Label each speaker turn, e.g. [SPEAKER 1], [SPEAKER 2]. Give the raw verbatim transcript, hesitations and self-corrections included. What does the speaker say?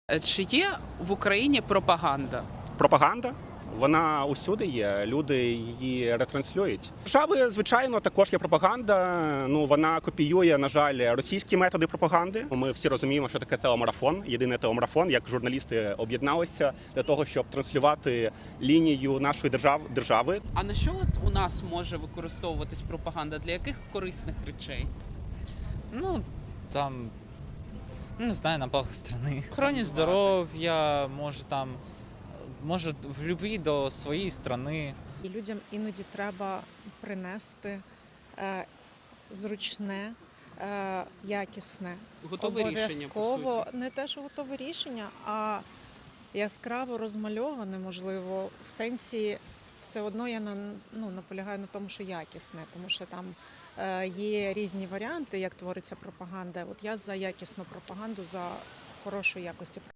[SPEAKER 1] Е, Чи є в Україні пропаганда?
[SPEAKER 2] Пропаганда, вона усюди є, люди її ретранслюють. Держави, звичайно, також є пропаганда. Ну вона копіює, на жаль, російські методи пропаганди. Ми всі розуміємо, що таке телемарафон, єдиний телемарафон, як журналісти об'єдналися для того, щоб транслювати лінію нашої держав держави.
[SPEAKER 1] А на що от у нас може використовуватись пропаганда? Для яких корисних речей?
[SPEAKER 3] Ну, там, ну, не знаю, на благо страны. Охороні
[SPEAKER 1] Панувати.
[SPEAKER 3] здоров'я, може там, може в любві до своєї страни.
[SPEAKER 4] І людям іноді треба принести е, зручне, е, якісне,
[SPEAKER 1] Готове рішення, по
[SPEAKER 4] обов'язково
[SPEAKER 1] суті.
[SPEAKER 4] не те, що готове рішення, а яскраво розмальоване, можливо, в сенсі все одно я на, ну, наполягаю на тому, що якісне, тому що там е, є різні варіанти, як твориться пропаганда. От я за якісну пропаганду, за хорошої якості